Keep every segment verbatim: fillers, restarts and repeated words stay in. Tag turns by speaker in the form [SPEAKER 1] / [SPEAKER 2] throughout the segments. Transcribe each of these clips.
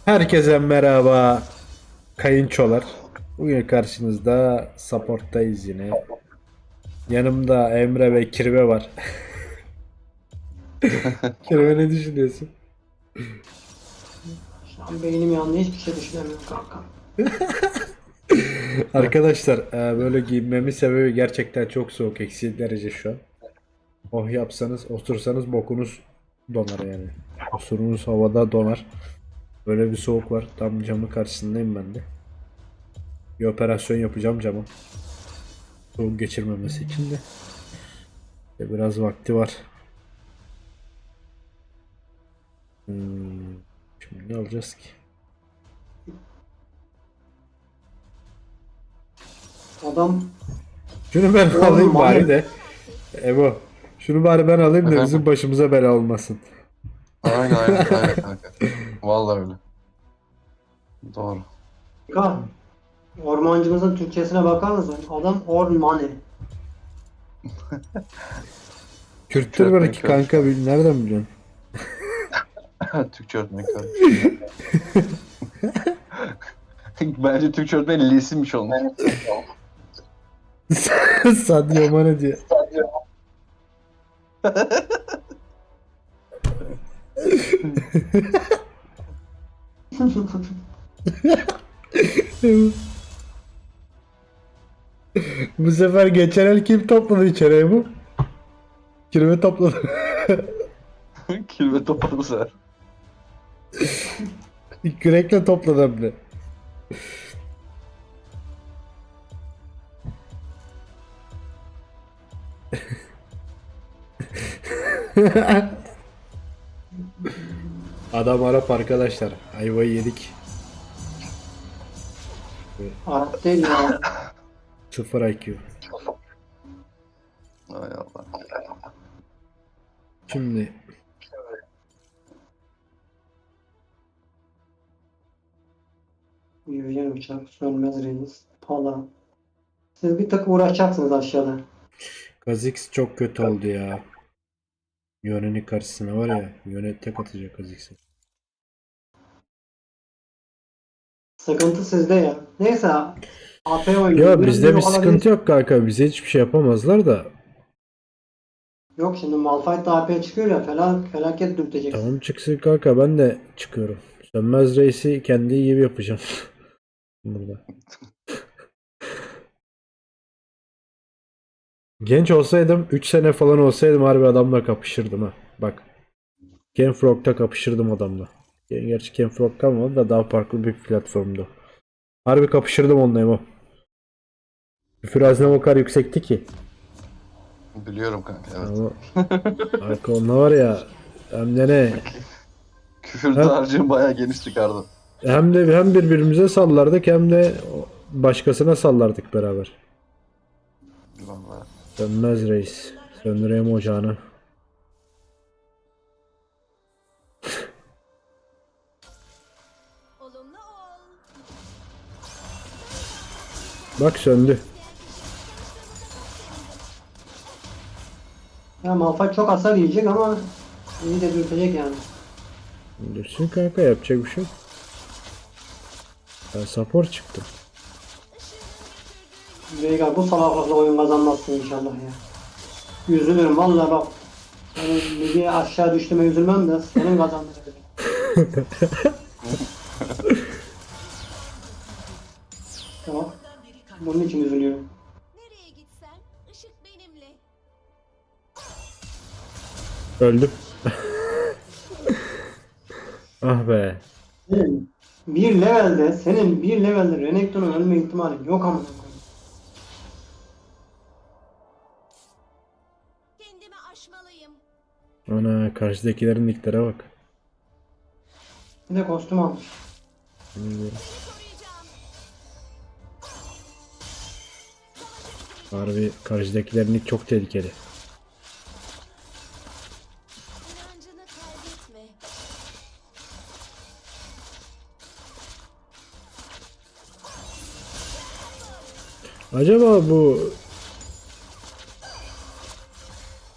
[SPEAKER 1] Herkese merhaba kayınçolar. Bugün karşınızda supporttayız yine. Yanımda Emre ve Kirve var. Kirve ne düşünüyorsun?
[SPEAKER 2] Şu an beynim yandı, hiçbir şey düşünemiyorum kanka.
[SPEAKER 1] Arkadaşlar e, böyle giyinmemin sebebi gerçekten çok soğuk. Eksi derece şu an. Oh yapsanız otursanız bokunuz donar yani. Osurunuz havada donar. Böyle bir soğuk var. Tam camın karşısındayım ben de. Bir operasyon yapacağım cama. Soğuk geçirmemesi için de. İşte biraz vakti var. Hmm, Şimdi ne alacağız ki?
[SPEAKER 2] Adam
[SPEAKER 1] Şunu ben
[SPEAKER 2] Oğlum,
[SPEAKER 1] alayım bari
[SPEAKER 2] manyak.
[SPEAKER 1] de. Ebo. Şunu bari ben alayım da bizim
[SPEAKER 3] Efendim?
[SPEAKER 1] başımıza bela olmasın.
[SPEAKER 3] Aynen aynen aynen kanka. Vallahi öyle. Doğru.
[SPEAKER 2] kanka, ormancımızın Türkçesine bakar mısın? Adam ormani.
[SPEAKER 1] Kürttür
[SPEAKER 3] öğretmeni
[SPEAKER 1] belki
[SPEAKER 3] körmüş
[SPEAKER 1] kanka,
[SPEAKER 3] lan.
[SPEAKER 1] bil- nereden biliyorsun?
[SPEAKER 3] Türkçe öğretmeni körmüş. Bence Türkçe öğretmeni lisimmiş olmuş.
[SPEAKER 1] Sadio Mane diye. Bu sefer geçen el kim topladı içeriye bu? Kirve topladı.
[SPEAKER 3] Kilve topladı bu sefer.
[SPEAKER 1] Kürekle topladı hem de. Adam Arap arkadaşlar. Ayvayı yedik.
[SPEAKER 2] Arap değil ya.
[SPEAKER 1] Sıfır I Q.
[SPEAKER 3] Ay Allah.
[SPEAKER 1] Şimdi
[SPEAKER 2] Yürüyen uçak, sönmez reis, pala. Siz bir tık uğraşacaksınız aşağıda.
[SPEAKER 1] Kha'Zix çok kötü oldu ya. Yone'nin karşısına var ya. Yone tek atacak Kha'Zix'e.
[SPEAKER 2] Sıkıntı sizde ya. Neyse, A P oynuyor.
[SPEAKER 1] Ya
[SPEAKER 2] Biraz
[SPEAKER 1] bizde bir
[SPEAKER 2] yok olabilir.
[SPEAKER 1] sıkıntı yok kanka. Bize hiçbir şey yapamazlar da.
[SPEAKER 2] Yok, şimdi Malphite A P çıkıyor ya, falan felaket dürteceksin.
[SPEAKER 1] Tamam çıksın kanka, ben de çıkıyorum. Sönmez Reis'i kendi gibi yapacağım. Burada. Genç olsaydım, üç sene falan olsaydım harbi adamla kapışırdım ha. Bak. Genfrog'da kapışırdım adamla. Gerçi Genfrog kalmadı da daha farklı bir platformdu. Harbi kapışırdım onunla Emo. Küfür haznem o kadar yüksekti ki.
[SPEAKER 3] Biliyorum kanka evet.
[SPEAKER 1] Ama arka onunla var ya, hem de ne?
[SPEAKER 3] Küfür
[SPEAKER 1] Hem,
[SPEAKER 3] dağarcığım bayağı geniş çıkardı.
[SPEAKER 1] hem de hem birbirimize sallardık hem de başkasına sallardık beraber.
[SPEAKER 3] Vallahi.
[SPEAKER 1] Sönmez Reis. Söndüreyim ocağını.
[SPEAKER 4] Olumlu ol.
[SPEAKER 1] Bak söndü.
[SPEAKER 2] Ya Malphite çok hasar yiyecek ama iyi de dürtecek yani.
[SPEAKER 1] Düşsün kanka, yapacak bir şey yok. Ben support çıktım.
[SPEAKER 2] Veigar, bu salaklıkla oyun kazanmazsın inşallah ya. Üzülürüm vallahi bak. Senin ligi aşağı düştüğüme üzülmem de senin kazandığın. Tamam. Bunun için üzülüyorum.
[SPEAKER 4] Nereye gitsen ışık benimle.
[SPEAKER 1] Öldüm. Ah be.
[SPEAKER 2] Senin bir levelde, senin bir levelde Renekton'un ölme ihtimalin yok ama.
[SPEAKER 4] Kendimi aşmalıyım.
[SPEAKER 1] Ana, karşıdakilerin nicklere bak.
[SPEAKER 2] Bir de kostüm almış.
[SPEAKER 4] Koruyacağım.
[SPEAKER 1] Harbi karşıdakilerin nick çok tehlikeli.
[SPEAKER 4] İnancını kaybetme.
[SPEAKER 1] Acaba bu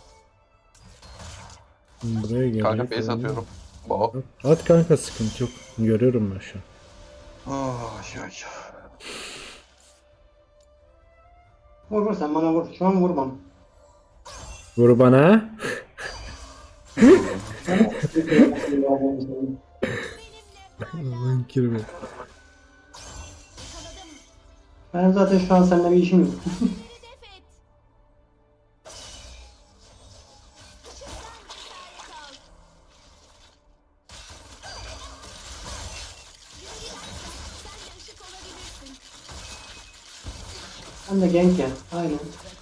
[SPEAKER 1] buraya
[SPEAKER 3] Kanka
[SPEAKER 1] gelecek
[SPEAKER 3] base
[SPEAKER 1] olan-
[SPEAKER 3] atıyorum. Baba.
[SPEAKER 1] At kanka, sıkıntı yok. Görüyorum ben şu an.
[SPEAKER 3] Oh, ay.
[SPEAKER 2] Vur vur sen bana vur. Şu an vur bana.
[SPEAKER 1] Vur bana. Lan kirve.
[SPEAKER 4] Yakaladım.
[SPEAKER 2] Ben zaten şu an seninle bir işim yok.
[SPEAKER 4] Hedef et. Işıktan işaret al. Yürü git. Sen de ışık olabilirsin.
[SPEAKER 2] Sen de genç ya. Aynen.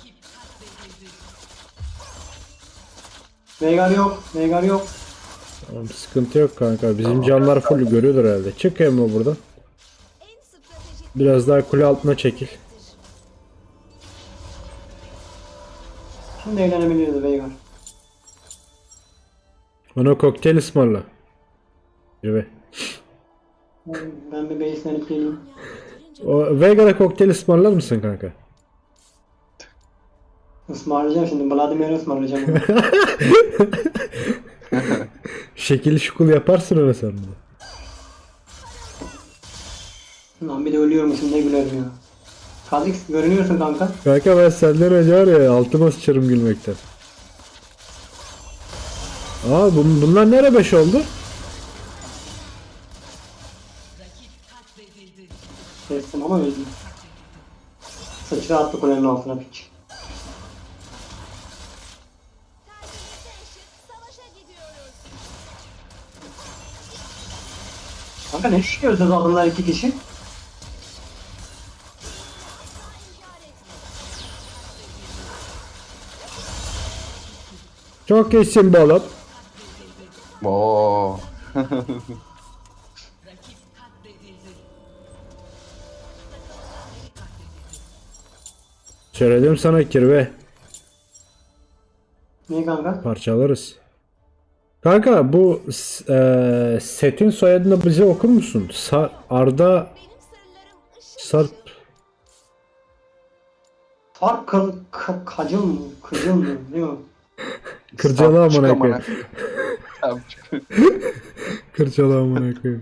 [SPEAKER 2] Veigar yok. Veigar yok.
[SPEAKER 1] Tamam, sıkıntı yok kanka. Bizim canlar full görüyordur herhalde. Çık Emre buradan.
[SPEAKER 4] En stratejik
[SPEAKER 1] Biraz daha kule altına çekil.
[SPEAKER 2] Şimdi eğlenebiliriz Veigar.
[SPEAKER 1] Bana kokteyl ısmarla. Kirve.
[SPEAKER 2] Ben, ben bir base'lenip geleyim.
[SPEAKER 1] O Veigar'a kokteyl ısmarlar mısın kanka?
[SPEAKER 2] Ismarlayacağım şimdi. Vladimir'i ısmarlayacağım.
[SPEAKER 1] Şekil şukul yaparsın öyle sen bunu.
[SPEAKER 2] Lan bir de ölüyormuşum ne gülerim ya. Kha'Zix görünüyorsun kanka.
[SPEAKER 1] Kanka ben senden önce var ya altıma sıçarım gülmekten. Aa bun, bunlar nere beş oldu?
[SPEAKER 2] Kestim ama öldüm. Sıçra attı kulenin altına piç.
[SPEAKER 4] kalbimizde ışık. Savaşa gidiyoruz.
[SPEAKER 2] Kanka ne düşünüyorsunuz adamlar iki kişi?
[SPEAKER 4] İnkar etme.
[SPEAKER 1] Çok iyisin be oğlum.
[SPEAKER 3] Oo.
[SPEAKER 1] Söyledim sana kirve.
[SPEAKER 2] Niye kanka?
[SPEAKER 1] Parçalarız. Kanka bu s- eee, setin soyadını bize okur musun? Sa- Arda
[SPEAKER 4] Benim sırlarım ışık.
[SPEAKER 1] Sarp.
[SPEAKER 2] Fark kıl, k- kacıl mı? Kıcıl mı? Ne o?
[SPEAKER 1] Kırcalı amına
[SPEAKER 3] Çık
[SPEAKER 1] koyayım.
[SPEAKER 3] Tamam, çık.
[SPEAKER 1] Kırcalı amına koyayım.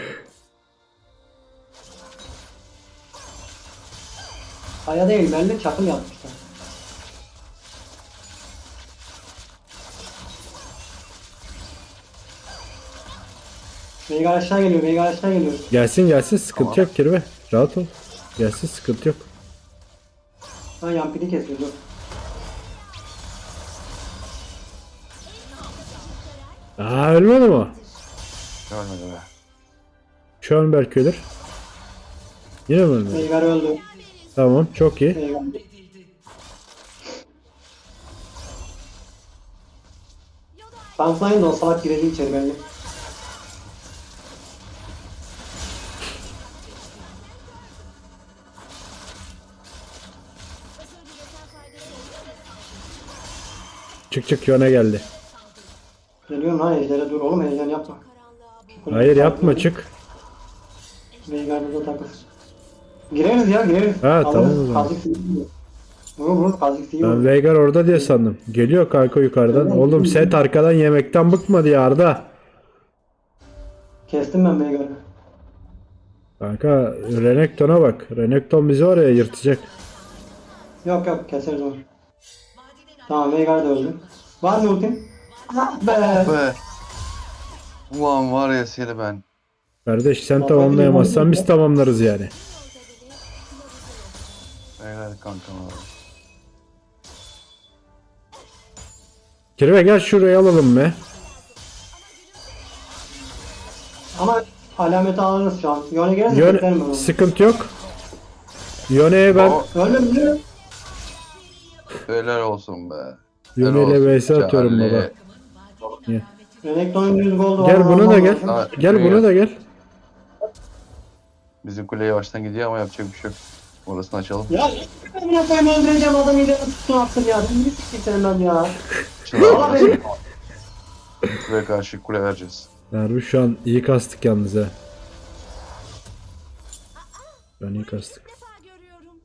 [SPEAKER 2] Kaya değil belli çakıl yapmışlar. Veigar aşağı geliyor, Veigar aşağı geliyor.
[SPEAKER 1] Gelsin gelsin sıkıntı
[SPEAKER 3] Tamam.
[SPEAKER 1] yok kirve. Rahat ol. Gelsin sıkıntı yok.
[SPEAKER 2] Ha yampiri kesiyor dur.
[SPEAKER 1] Aa ölmedi mi o?
[SPEAKER 3] Görmedi be.
[SPEAKER 1] Şu an belki ölür. Yine mi ölmedi?
[SPEAKER 2] Veigar öldü.
[SPEAKER 1] Tamam çok iyi.
[SPEAKER 2] Veigar. Kansayın da o salak girecek içeri belli.
[SPEAKER 4] Özür dilesen faydası olur mu?
[SPEAKER 1] Çık çık yöne geldi.
[SPEAKER 2] Geliyorum ha ejdere dur oğlum heyecan yapma.
[SPEAKER 4] Karanlığa bu.
[SPEAKER 1] Hayır yapma çık.
[SPEAKER 2] Veigar burada takır. Gireriz ya gireriz.
[SPEAKER 1] Ha,
[SPEAKER 2] Alırız.
[SPEAKER 1] tamam o zaman.
[SPEAKER 2] Kha'Zix iyi vuruyor. Vurur vurur Kha'Zix iyi
[SPEAKER 1] Ben
[SPEAKER 2] vuruyor.
[SPEAKER 1] Veigar orada diye sandım. Geliyor kanka yukarıdan. Oğlum set arkadan yemekten bıkmadı ya Arda.
[SPEAKER 2] Kestim ben Veigar'ı.
[SPEAKER 1] Kanka Renekton'a bak. Renekton bizi oraya yırtacak.
[SPEAKER 2] Yok yok keseriz onu. Tamam Veigar da öldü. Var mı ultim? Ah be.
[SPEAKER 3] Be. Ulan var ya seni ben.
[SPEAKER 1] Kardeş sen
[SPEAKER 2] Baba,
[SPEAKER 1] tamamlayamazsan
[SPEAKER 2] bir
[SPEAKER 1] biz tamamlarız yani.
[SPEAKER 4] Yolda bile kılavuz olur.
[SPEAKER 3] Helal kankam abi.
[SPEAKER 1] Kirve gel şuraya alalım be.
[SPEAKER 2] Ama alameti alırız şu an. Yone gelirse beklerim ben
[SPEAKER 1] Yön
[SPEAKER 2] onu.
[SPEAKER 1] sıkıntı yok. Yone'ye ben
[SPEAKER 3] O
[SPEAKER 2] Öldü mü?
[SPEAKER 3] helal olsun be.
[SPEAKER 1] Yone
[SPEAKER 3] Helal
[SPEAKER 1] ile
[SPEAKER 3] olsun.
[SPEAKER 1] vs atıyorum
[SPEAKER 3] Charlie.
[SPEAKER 1] baba.
[SPEAKER 2] Renekton'un yüz goldu
[SPEAKER 1] Gel
[SPEAKER 2] var,
[SPEAKER 1] buna da
[SPEAKER 2] almam
[SPEAKER 1] gel.
[SPEAKER 2] lazım.
[SPEAKER 3] Ha,
[SPEAKER 1] Gel
[SPEAKER 3] buraya
[SPEAKER 1] buna da gel.
[SPEAKER 3] Bizim kule yavaştan gidiyor ama yapacak bir şey yok. Orasını açalım.
[SPEAKER 2] Ya amına koyayım öldüreceğim adamı ileri tutun attın ya. Bir siktir sen lan ya.
[SPEAKER 3] Şimdi
[SPEAKER 2] Allah beni.
[SPEAKER 3] kuleye karşı kule vereceğiz.
[SPEAKER 1] Harbi şu an iyi kastık yalnız ha. Ben iyi kastık.
[SPEAKER 4] İlk defa görüyorum.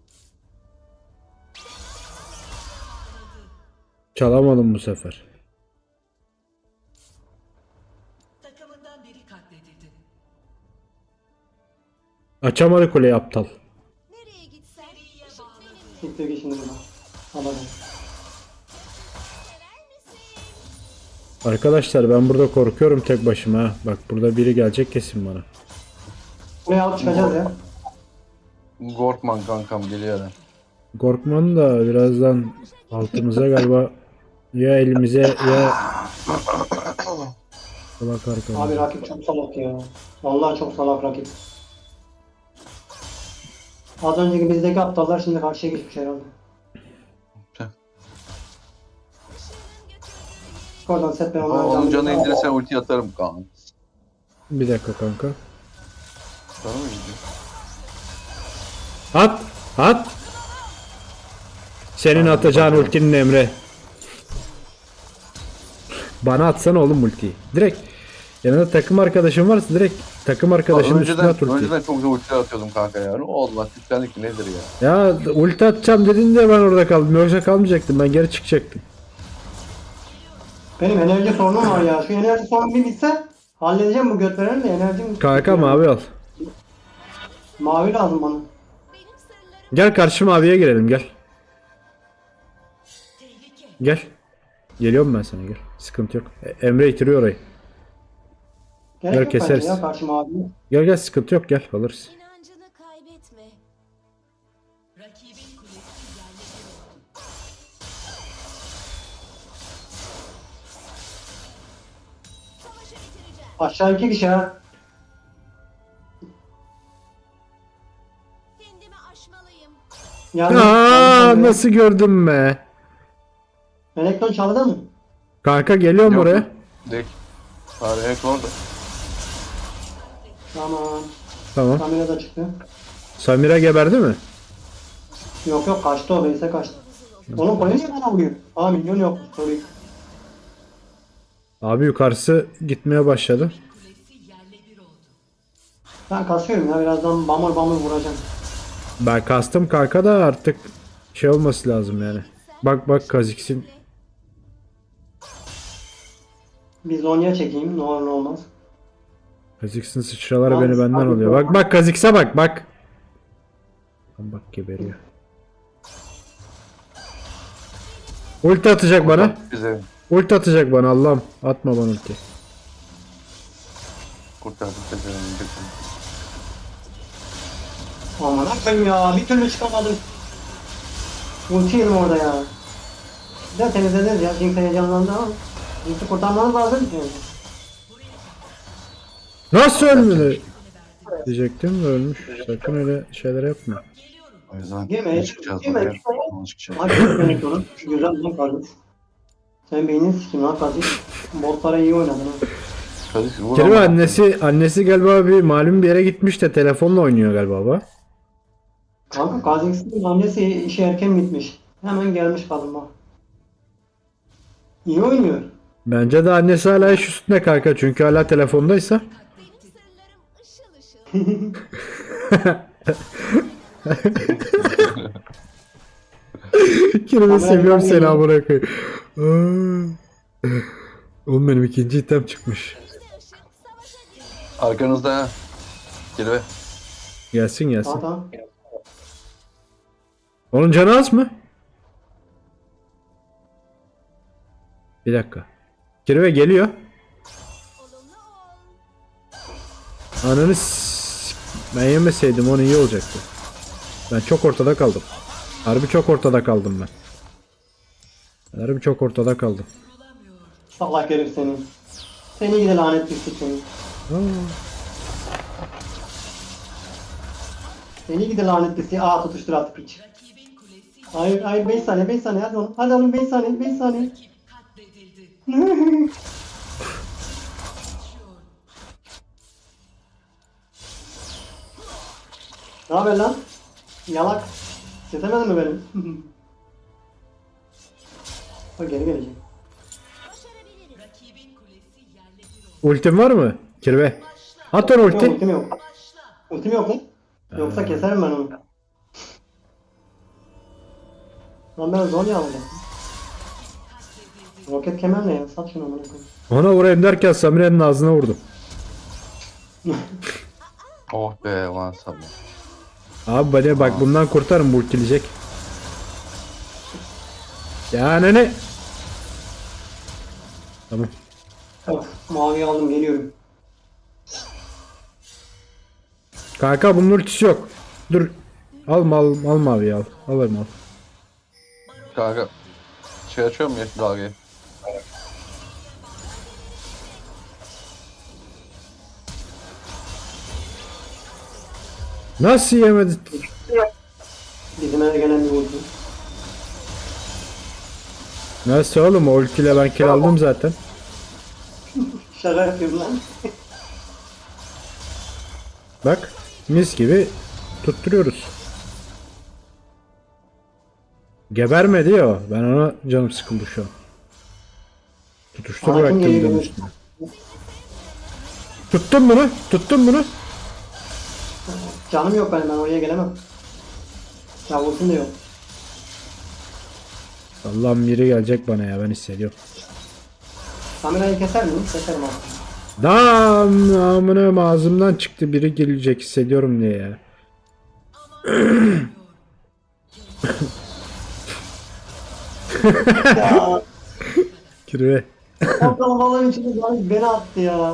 [SPEAKER 1] Çalamadım bu sefer.
[SPEAKER 5] Takımından biri katledildi.
[SPEAKER 1] Açamadı kuleyi aptal.
[SPEAKER 4] Nereye gitsen ışık benimle.
[SPEAKER 2] Siktir git şimdi buradan. Alalım.
[SPEAKER 4] Sever misin?
[SPEAKER 1] Arkadaşlar ben burada korkuyorum tek başıma ha. Bak burada biri gelecek kesin bana.
[SPEAKER 2] Buraya alıp çıkacağız ya.
[SPEAKER 3] Gorkman kankam geliyor da.
[SPEAKER 1] Korkman da birazdan altımıza galiba ya elimize ya salak
[SPEAKER 2] Abi
[SPEAKER 1] arkamıza.
[SPEAKER 2] rakip çok salak ya. Vallahi çok salak rakip. Az önceki bizdeki aptallar şimdi karşıya geçmiş herhalde. Oradan set ben
[SPEAKER 3] Aa,
[SPEAKER 2] onların
[SPEAKER 3] onun canı
[SPEAKER 2] canını...
[SPEAKER 3] indirirsen ulti atarım kanka.
[SPEAKER 1] Bir dakika kanka.
[SPEAKER 3] Canı mı gidiyor?
[SPEAKER 1] At! At! Senin atacağın ultinin Emre. Bana atsana oğlum ultiyi. Direkt. Yanında takım arkadaşın varsa direkt takım arkadaşının üstüne
[SPEAKER 3] Önceden,
[SPEAKER 1] at ultiyi.
[SPEAKER 3] önceden çok güzel ulti atıyordum kanka ya. Ne oldu bak yüklendik ki nedir ya?
[SPEAKER 1] Ya ulti atacağım dedin de ben orada kaldım. Yoksa kalmayacaktım. Ben geri çıkacaktım.
[SPEAKER 2] Benim enerji sorunum var ya. Şu enerji sorunu bir bitse halledeceğim bu göt veren de enerjim...
[SPEAKER 1] Kanka mavi al.
[SPEAKER 2] Mavi lazım bana.
[SPEAKER 4] Benim sırlarım
[SPEAKER 1] Gel karşı maviye girelim gel. Gel. Geliyorum ben sana gel. Sıkıntı yok. E- Emre itiriyor orayı.
[SPEAKER 2] Gerek
[SPEAKER 1] Gel
[SPEAKER 2] yok bence
[SPEAKER 1] keseriz.
[SPEAKER 2] ya karşı mavi.
[SPEAKER 1] Gel gel sıkıntı yok gel alırız.
[SPEAKER 4] inancını kaybetme. Rakibin kulesi yerle bir oldu. Savaşı bitireceğim.
[SPEAKER 2] Aşağı iki kişi ha.
[SPEAKER 4] Kendimi aşmalıyım.
[SPEAKER 2] Yani,
[SPEAKER 1] Aa nasıl gördün be?
[SPEAKER 2] Elekton çaldı mı?
[SPEAKER 1] Kanka geliyorum
[SPEAKER 3] Yok,
[SPEAKER 1] oraya.
[SPEAKER 3] Değil. Abi hack orada.
[SPEAKER 2] Tamam.
[SPEAKER 1] Tamam.
[SPEAKER 2] Kamera da çıktı.
[SPEAKER 1] Samira geberdi mi?
[SPEAKER 2] Yok yok kaçtı o base'e kaçtı. Onun koyu niye bana vuruyor? Aa milyon yok. Sorry.
[SPEAKER 1] Abi yukarısı gitmeye başladı.
[SPEAKER 2] Ben kasıyorum ya birazdan bamur bamur vuracağım.
[SPEAKER 1] Ben kastım kanka da artık şey olması lazım yani. Bak bak Kha'Zix'in
[SPEAKER 2] Bir Zonya çekeyim ne olur ne olmaz.
[SPEAKER 1] Kha'Zix'in sıçraları
[SPEAKER 2] Lan,
[SPEAKER 1] beni benden
[SPEAKER 2] abi,
[SPEAKER 1] alıyor. Bak bak Kha'Zix'e bak bak. Lan bak geberiyor. Ulti atacak bana.
[SPEAKER 3] Bize
[SPEAKER 1] Ulti atacak bana Allah'ım. Atma bana ulti.
[SPEAKER 3] kurtardık bize.
[SPEAKER 2] Aman akbayım ya bir türlü çıkamadım. Ulti yedim orada ya. Bir de temizlediniz ya. Jinx heyecanlandı ama. Jinx'i kurtarmanız lazım ki.
[SPEAKER 1] Nasıl ölmedi? Diyecektim de ölmüş. Sakın öyle şeyler yapma.
[SPEAKER 3] O yüzden
[SPEAKER 2] Girme,
[SPEAKER 3] ne çıkacağız
[SPEAKER 2] girme.
[SPEAKER 3] oraya? Ona çıkacağız.
[SPEAKER 2] Hadi yönetmek onu. Güzel lan kardeş. Sen beynini sikim lan kardeş. Botlara iyi oynadın ha.
[SPEAKER 3] Hadi vur
[SPEAKER 1] Kerime
[SPEAKER 3] ama.
[SPEAKER 1] annesi annesi galiba bir malum bir yere gitmiş de telefonla oynuyor galiba baba.
[SPEAKER 2] Kanka Kazakistan'ın annesi işi erken bitmiş. Hemen gelmiş kadın bak. İyi oynuyor.
[SPEAKER 1] Bence de annesi hala iş üstünde kanka çünkü hala telefondaysa.
[SPEAKER 4] Benim sırlarım ışıl ışıl.
[SPEAKER 1] Kerime seviyorum
[SPEAKER 2] ben
[SPEAKER 1] seni
[SPEAKER 2] geliyorum.
[SPEAKER 1] amına koyayım. Aa. Oğlum benim ikinci item çıkmış.
[SPEAKER 4] İşte ışık savaşa değil.
[SPEAKER 3] Arkanızda ha. Gel be.
[SPEAKER 1] Gelsin gelsin.
[SPEAKER 2] Tamam tamam.
[SPEAKER 1] Onun canı az mı? Bir dakika. Kirve geliyor.
[SPEAKER 4] Olumlu ol.
[SPEAKER 1] Ananı s- ben yemeseydim onu iyi olacaktı. Ben çok ortada kaldım. Harbi çok ortada kaldım ben. Harbi çok ortada kaldım.
[SPEAKER 2] Salak herif seni. Seni gide lanet pislik seni.
[SPEAKER 1] Aa,
[SPEAKER 2] Seni gide lanet pislik. Aa tutuştur artık piç. Hayır hayır beş saniye beş saniye hadi oğlum. Hadi oğlum beş saniye beş saniye. Ne haber lan? Yalak. Yetemedin mi benim? Bak geri gelecek.
[SPEAKER 4] Başarabiliriz.
[SPEAKER 1] ultim var mı? Kirve. At onu
[SPEAKER 2] Yok
[SPEAKER 1] ulti.
[SPEAKER 2] ultim yok. Ultim yok lan. Yoksa keserim ben onu. Lan ben Zonya alacağım. Roket kemer ne ya? Sat şunu amına koyayım.
[SPEAKER 1] Ona vurayım derken Samire'nin ağzına vurdum.
[SPEAKER 3] Oh be lan sabah.
[SPEAKER 1] Abi bana bak bundan kurtarın, bu ultileyecek. Ya ne ne? Tamam.
[SPEAKER 2] Of, mavi aldım geliyorum.
[SPEAKER 1] Kanka bunun ultisi yok. Dur. Alma al, alma abi al. Alırım al.
[SPEAKER 3] Kanka. Şey açıyor mu ya dalgayı?
[SPEAKER 1] Nasıl yemedi?
[SPEAKER 2] Bizim eve gelen bir vurdu.
[SPEAKER 1] Nasıl oğlum, o ultiyle ben kill aldım zaten.
[SPEAKER 2] Şaka yapıyorum lan.
[SPEAKER 1] Bak mis gibi tutturuyoruz. Gebermedi ya o. Ben ona canım sıkıldı şu an. Tutuştur
[SPEAKER 2] Hakim
[SPEAKER 1] bıraktım
[SPEAKER 2] geliyor.
[SPEAKER 1] bir de üstüne. Tuttum bunu. Tuttum bunu.
[SPEAKER 2] Canım yok benim, ben oraya gelemem. Ya vursun da yok.
[SPEAKER 1] Allah'ım biri gelecek bana ya, ben hissediyorum.
[SPEAKER 2] Kamerayı keser miyim? Keserim abi.
[SPEAKER 1] Dam amına ağzımdan çıktı, biri gelecek hissediyorum diye ya.
[SPEAKER 2] Ya
[SPEAKER 1] Kirve.
[SPEAKER 2] o kalabalığın içinde zaten beni attı ya.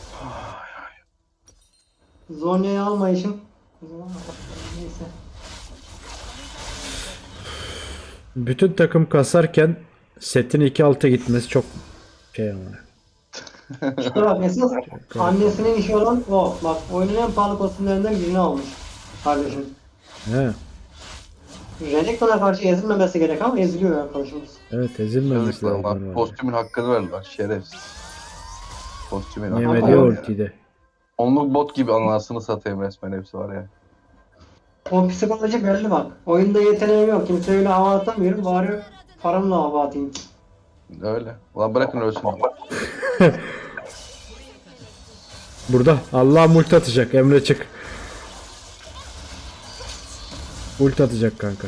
[SPEAKER 2] Zonya'yı almayışım. Neyse.
[SPEAKER 1] Bütün takım kasarken setin iki alta gitmesi çok şey ama.
[SPEAKER 2] İşte bak esas annesinin işi olan o. Bak oyunun en pahalı kostümlerinden birini almış. Kardeşim.
[SPEAKER 1] He.
[SPEAKER 2] Renekton'a karşı ezilmemesi gerek ama eziliyor arkadaşımız.
[SPEAKER 1] Evet, ezilmemesi
[SPEAKER 3] Yazıklar
[SPEAKER 1] lazım.
[SPEAKER 3] lan.
[SPEAKER 1] orada.
[SPEAKER 3] Kostümün hakkını verdiler. Şerefsiz. Kostümün hakkını.
[SPEAKER 1] Yemedi
[SPEAKER 2] Ama-
[SPEAKER 1] ultide.
[SPEAKER 3] Onluk bot gibi anasını satayım resmen hepsi var ya.
[SPEAKER 2] O psikoloji belli bak. Oyunda yeteneğim yok. Kimseye öyle hava atamıyorum. Bari paramla hava atayım.
[SPEAKER 3] Öyle. Ulan bırakın ölsün.
[SPEAKER 1] Burada Allah multi atacak, Emre çık. Ulti atacak kanka.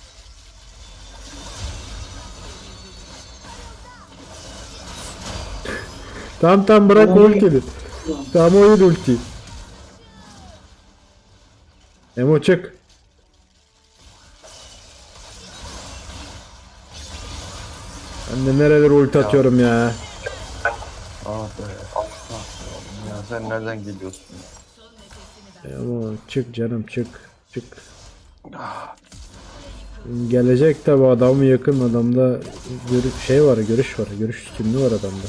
[SPEAKER 1] Tamam tamam bırak
[SPEAKER 2] Tamam.
[SPEAKER 1] ultiyi. Tamam o yedi ulti. Emo çık. Ben de nerelere ulti atıyorum ya.
[SPEAKER 3] Ah be. Ah be oğlum ya sen nereden geliyorsun?
[SPEAKER 1] Emo çık canım çık. Çık. Gelecek tabi, adamı yakın, adamda görüş şey var, görüş var, görüş üstünlüğü var adamda.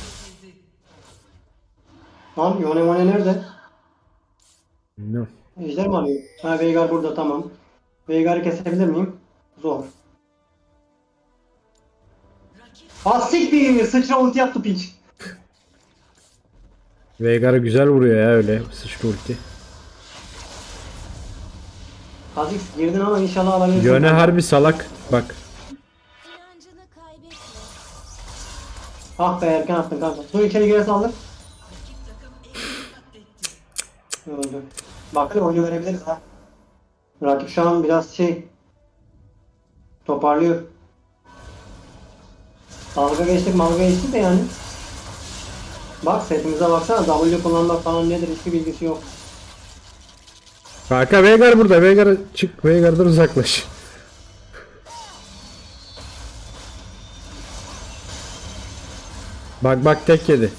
[SPEAKER 2] Tamam Yone Mone nerede?
[SPEAKER 1] Ne?
[SPEAKER 2] Ejder mi arıyor? Ha Veigar burada tamam. Veigar'ı kesebilir miyim? Zor. Hastik bir sıçra ulti yaptı piç.
[SPEAKER 1] Veigar'ı güzel vuruyor ya öyle sıçra ulti.
[SPEAKER 2] Kha'Zix girdin ama inşallah alabilirsin.
[SPEAKER 1] Yöne harbi salak. Bak.
[SPEAKER 4] İnancını kaybetme.
[SPEAKER 2] Ah be erken attın kanka. Dur içeri geri saldır. Öldü. Bak hadi oyunu verebiliriz ha. Rakip şu an biraz şey toparlıyor. Dalga geçtik malga geçtik de yani. Bak setimize baksana, W kullanmak falan nedir hiçbir bilgisi yok.
[SPEAKER 1] Kanka Veigar burada. Veigar'a çık. Veigar'dan uzaklaş. Bak bak tek yedi.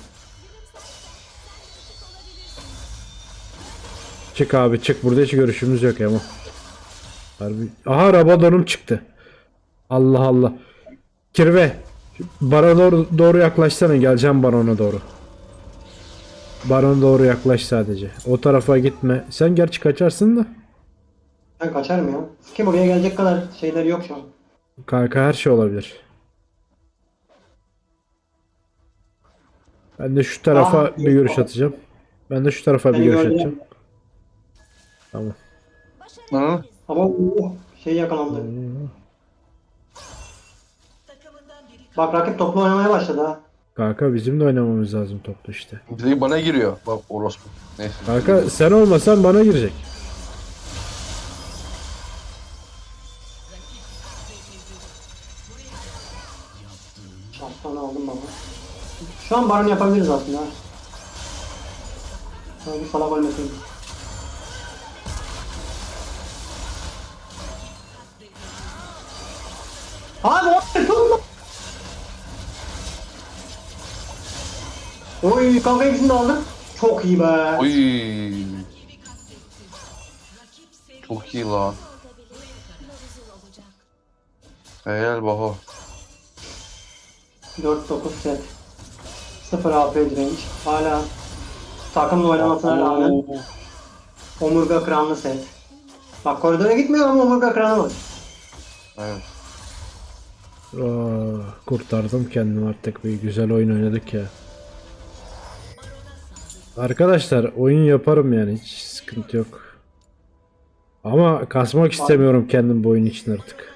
[SPEAKER 1] Çık abi çık. Burada hiç görüşümüz yok ama. Harbi. Aha Rabadon'um çıktı. Allah Allah. Kirve. Barona doğru, doğru yaklaşsana. Geleceğim barona doğru. Barona doğru yaklaş sadece. O tarafa gitme. Sen gerçi kaçarsın da.
[SPEAKER 2] Ben kaçarım ya. Kim oraya gelecek kadar şeyler yok şu an.
[SPEAKER 1] Kanka her şey olabilir. Ben de şu tarafa
[SPEAKER 2] Ah,
[SPEAKER 1] bir görüş atacağım. Ben de şu tarafa bir
[SPEAKER 2] Beni
[SPEAKER 1] görüş
[SPEAKER 2] gördüler.
[SPEAKER 1] atacağım. Tamam.
[SPEAKER 3] Hı?
[SPEAKER 2] Ama uh, şey yakalandı. Bak rakip toplu oynamaya başladı ha.
[SPEAKER 1] Kanka bizim de oynamamız lazım toplu işte.
[SPEAKER 3] Bizi bana giriyor. Bak orospu. Neyse.
[SPEAKER 1] Kanka sen olmasan bana girecek.
[SPEAKER 2] Şaptanı aldım baba. Şu an baron yapabiliriz aslında ha. Şöyle bir salak ölmesin. Abi o tutma. Oy kanka ikisini de aldım. Çok iyi be.
[SPEAKER 3] Oy. Çok iyi lan. Helal Baho.
[SPEAKER 2] dört dokuz set. sıfır A P direnç. Hala takımla oynamasına rağmen
[SPEAKER 3] Oo.
[SPEAKER 2] omurga kıranlı set. Bak koridora gitmiyor ama omurga kıranı var.
[SPEAKER 3] Evet.
[SPEAKER 1] Aa, kurtardım kendimi artık. Bir güzel oyun oynadık ya. Arkadaşlar oyun yaparım yani. Hiç sıkıntı yok. Ama kasmak istemiyorum kendim bu oyun için artık.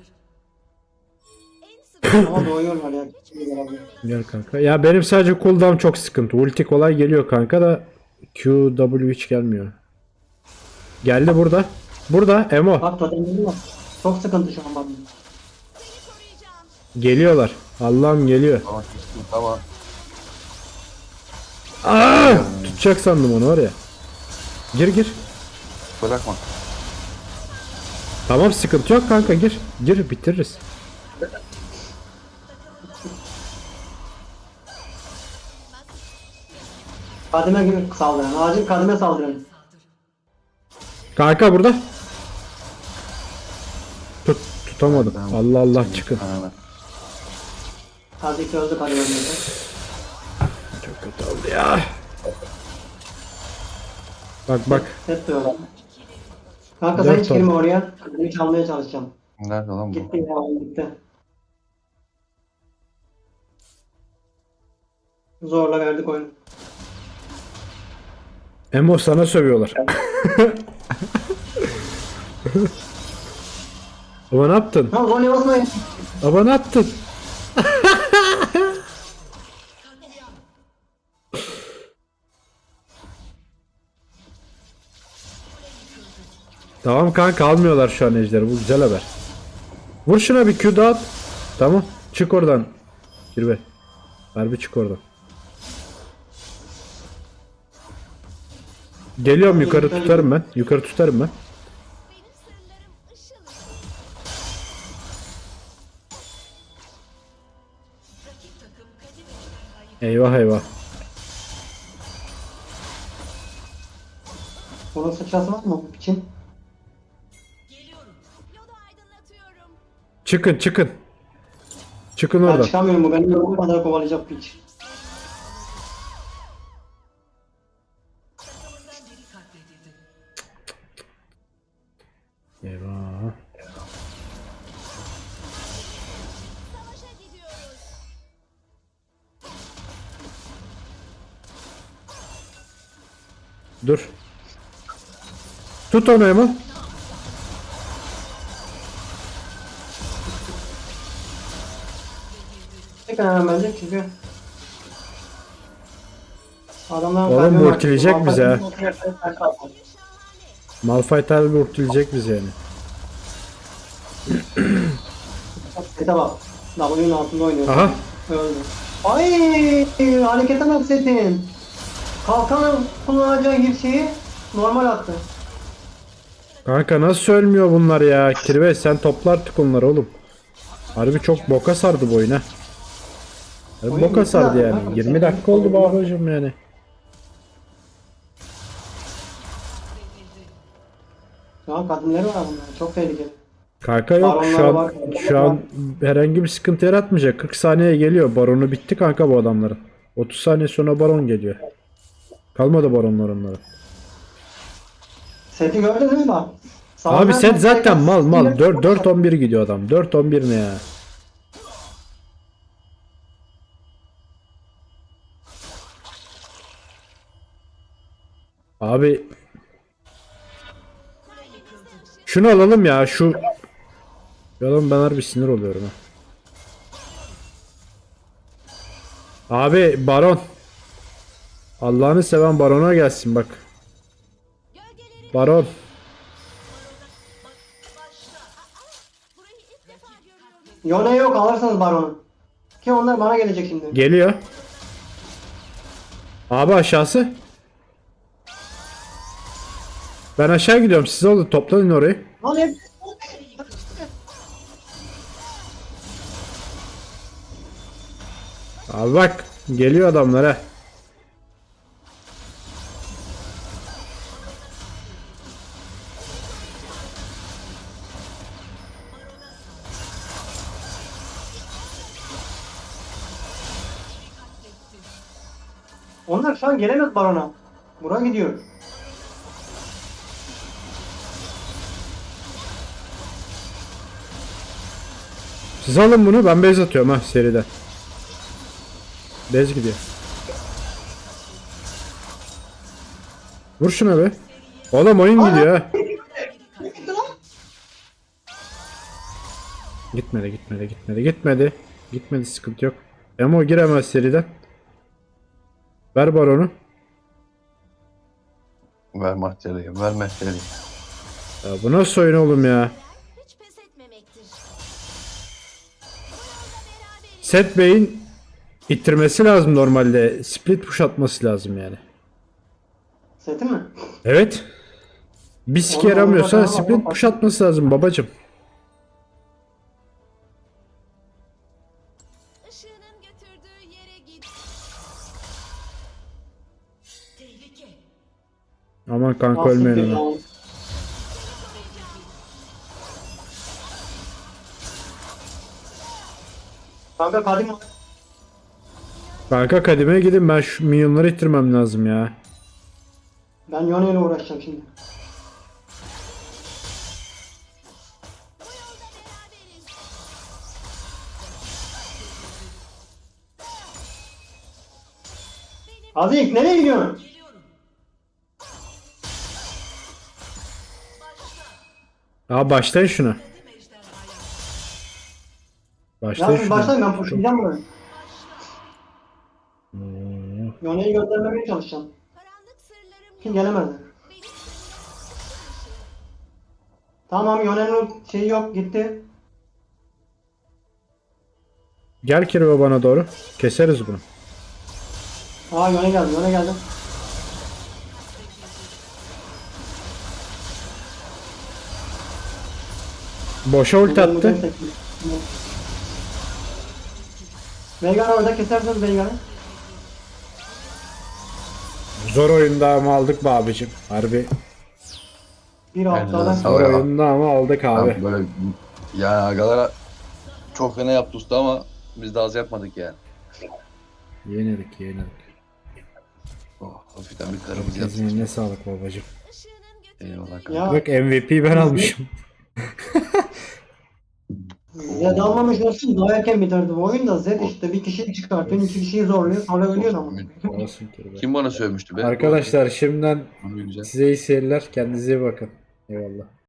[SPEAKER 2] Ama doğuyorlar ya.
[SPEAKER 1] Gel kanka. Ya benim sadece cooldown çok sıkıntı. Ulti kolay geliyor kanka da Q W hiç gelmiyor. Geldi burada. Burada Emo.
[SPEAKER 2] Bak totemleri var. Çok sıkıntı şu an bana.
[SPEAKER 1] Geliyorlar. Allah'ım geliyor.
[SPEAKER 3] Tamam. Tamam.
[SPEAKER 1] Aa! Tutacak sandım onu var ya. Gir gir.
[SPEAKER 3] Bırakma.
[SPEAKER 1] Tamam sıkıntı yok kanka gir. Gir bitiririz.
[SPEAKER 2] Kadime gibi saldıran. Acil kadime saldıran.
[SPEAKER 1] Kanka burada. Tut tutamadım.
[SPEAKER 3] Tamam.
[SPEAKER 1] Allah Allah çıkın.
[SPEAKER 3] Aynen.
[SPEAKER 2] Hadi öldü kadime öldü.
[SPEAKER 1] Çok kötü oldu ya. Bak bak.
[SPEAKER 2] Set diyorlar. Kanka
[SPEAKER 1] Dört
[SPEAKER 2] sen hiç
[SPEAKER 1] tane.
[SPEAKER 2] girme oraya. Kadimi çalmaya çalışacağım.
[SPEAKER 3] Nerede lan bu?
[SPEAKER 2] Gitti ya gitti. Zorla verdik oyunu.
[SPEAKER 1] Emo sana sövüyorlar. Ama ne yaptın?
[SPEAKER 2] Ha Zonya basmayın.
[SPEAKER 1] Ama ne yaptın? Tamam kanka almıyorlar şu an ejderi. Bu güzel haber. Vur şuna bir Q dağıt. Tamam. Çık oradan. Kirbe. Harbi çık oradan. Geliyorum yukarı tutarım ben. Yukarı tutarım ben.
[SPEAKER 4] Benim sırlarım ışıl ışıl.
[SPEAKER 1] Eyvah eyvah.
[SPEAKER 2] Bunun sıçrası var mı için?
[SPEAKER 4] Yolu aydınlatıyorum.
[SPEAKER 1] Çıkın çıkın. Çıkın
[SPEAKER 2] Ben
[SPEAKER 1] oradan.
[SPEAKER 2] çıkamıyorum bu benim yolum kadar kovalayacak piç.
[SPEAKER 1] Eyvah.
[SPEAKER 4] Savaşa gidiyoruz.
[SPEAKER 1] Dur. Tut onu Emo.
[SPEAKER 2] Tekrar hemen bence çünkü adamlar
[SPEAKER 1] Oğlum ultileyecek bizi ha. Malphite harbi urtulacak bizi yani.
[SPEAKER 2] Sete bak. W'nun altında oynuyor.
[SPEAKER 1] Aha.
[SPEAKER 2] Öldü. Ay harekete bak setin. Kalkan kullanacağı gibi şeyi normal attı.
[SPEAKER 1] Kanka nasıl ölmüyor bunlar ya? Kirve sen topla artık onları oğlum. Harbi çok boka sardı bu oyun ha. Harbi
[SPEAKER 2] Oyun
[SPEAKER 1] boka
[SPEAKER 2] bitti
[SPEAKER 1] sardı
[SPEAKER 2] zaten
[SPEAKER 1] yani.
[SPEAKER 2] kanka.
[SPEAKER 1] yirmi dakika oldu babacım yani.
[SPEAKER 2] Şu an kadınları var bunlar. Çok tehlikeli.
[SPEAKER 1] Kanka yok şu
[SPEAKER 2] Baronlar
[SPEAKER 1] an
[SPEAKER 2] var.
[SPEAKER 1] şu an herhangi bir sıkıntı yaratmayacak. kırk saniye geliyor. Baronu bitti kanka bu adamların. otuz saniye sonra baron geliyor. Kalmadı baronlar onlara.
[SPEAKER 2] Seti gördün değil mi bak?
[SPEAKER 1] Abi set zaten mal mal.
[SPEAKER 2] dört
[SPEAKER 1] dört on bir gidiyor adam. dört on bir ne ya? Abi şunu alalım ya şu. Yalan ben harbi sinir oluyorum ha. Abi baron. Allah'ını seven barona gelsin bak.
[SPEAKER 4] Gölgeleri
[SPEAKER 1] Baron.
[SPEAKER 4] burayı ilk defa görüyorum.
[SPEAKER 2] Yone yok alırsanız baronu. Ki onlar bana gelecek şimdi.
[SPEAKER 1] Geliyor. Abi aşağısı. Ben aşağı gidiyorum. Siz oldu toplanın orayı.
[SPEAKER 2] Lan hep
[SPEAKER 1] Abi bak geliyor adamlar ha.
[SPEAKER 2] Onlar şu an gelemez barona. Buraya gidiyor.
[SPEAKER 1] Siz alın bunu, ben base atıyorum ha seriden. Base gidiyor. Vur şuna be. Oğlum oyun gidiyor ha. Gitmedi gitmedi gitmedi gitmedi. Gitmedi, sıkıntı yok. Emo giremez seriden. Ver baronu.
[SPEAKER 3] Ver Mahtiyar'ı, ver Mahtiyar'ı.
[SPEAKER 1] Ya bu nasıl oyun oğlum ya?
[SPEAKER 4] Hiç pes etmemektir. Bu yolda beraberiz.
[SPEAKER 1] Set Bey'in ittirmesi lazım normalde. Split push atması lazım yani.
[SPEAKER 2] Seti mi?
[SPEAKER 1] Evet. Bir sike
[SPEAKER 2] Oğlum,
[SPEAKER 1] yaramıyorsa
[SPEAKER 2] oğlum,
[SPEAKER 1] split
[SPEAKER 2] oğlum,
[SPEAKER 1] push atması lazım babacım.
[SPEAKER 4] Işığının götürdüğü yere git.
[SPEAKER 1] Aman kanka
[SPEAKER 2] Nasıl
[SPEAKER 1] ölmeyin
[SPEAKER 2] bir
[SPEAKER 1] ona.
[SPEAKER 2] ya? Kanka kadim var.
[SPEAKER 1] Kanka kadime gidin, ben şu minyonları ittirmem lazım ya.
[SPEAKER 2] Ben Yone ile uğraşacağım şimdi.
[SPEAKER 4] Bu yolda beraberiz.
[SPEAKER 2] Azik nereye gidiyorsun?
[SPEAKER 1] Aa başlayın şuna.
[SPEAKER 2] Ya
[SPEAKER 1] Başlayın
[SPEAKER 2] siz
[SPEAKER 1] şuna.
[SPEAKER 2] başlayın, ben pushlayacağım burayı. Yone'yi göndermemeye çalışacağım.
[SPEAKER 4] Karanlık sırlarım
[SPEAKER 2] Kim
[SPEAKER 4] yok.
[SPEAKER 2] gelemedi.
[SPEAKER 4] Benim sırrım
[SPEAKER 2] Tamam, Yone'nin şeyi yok, gitti.
[SPEAKER 1] Gel Kirve bana doğru. Keseriz bunu.
[SPEAKER 2] Aa Yone geldi, Yone geldi.
[SPEAKER 1] Boşa ulti attı.
[SPEAKER 2] Veigar'ı orada kesersiniz Veigar'ı.
[SPEAKER 1] Zor oyunda ama aldık be abicim. Harbi.
[SPEAKER 2] Bir
[SPEAKER 3] Aynen,
[SPEAKER 2] haftada.
[SPEAKER 3] sağ ol.
[SPEAKER 1] Zor
[SPEAKER 3] ya.
[SPEAKER 1] oyunda ama aldık abi.
[SPEAKER 3] Ya böyle yani agalara çok fena yaptı usta ama biz de az yapmadık yani.
[SPEAKER 1] Yenildik yenildik.
[SPEAKER 3] Oh, hafiften bir karımız yaptık.
[SPEAKER 1] Herkesin eline sağlık babacım.
[SPEAKER 4] ışığının götürdüğü
[SPEAKER 3] Eyvallah kanka.
[SPEAKER 2] Ya
[SPEAKER 1] Bak M V P'yi ben almışım.
[SPEAKER 2] Zed almamış olsun daha erken biterdi bu oyun da. Zed işte bir kişiyi çıkartıyor, iki kişiyi zorluyor, sonra ölüyor ama.
[SPEAKER 1] Olsun Kirve.
[SPEAKER 3] Kim bana sövmüştü be?
[SPEAKER 1] Arkadaşlar şimdiden
[SPEAKER 3] Onu bir güzel.
[SPEAKER 1] size iyi seyirler. Kendinize iyi bakın. Eyvallah.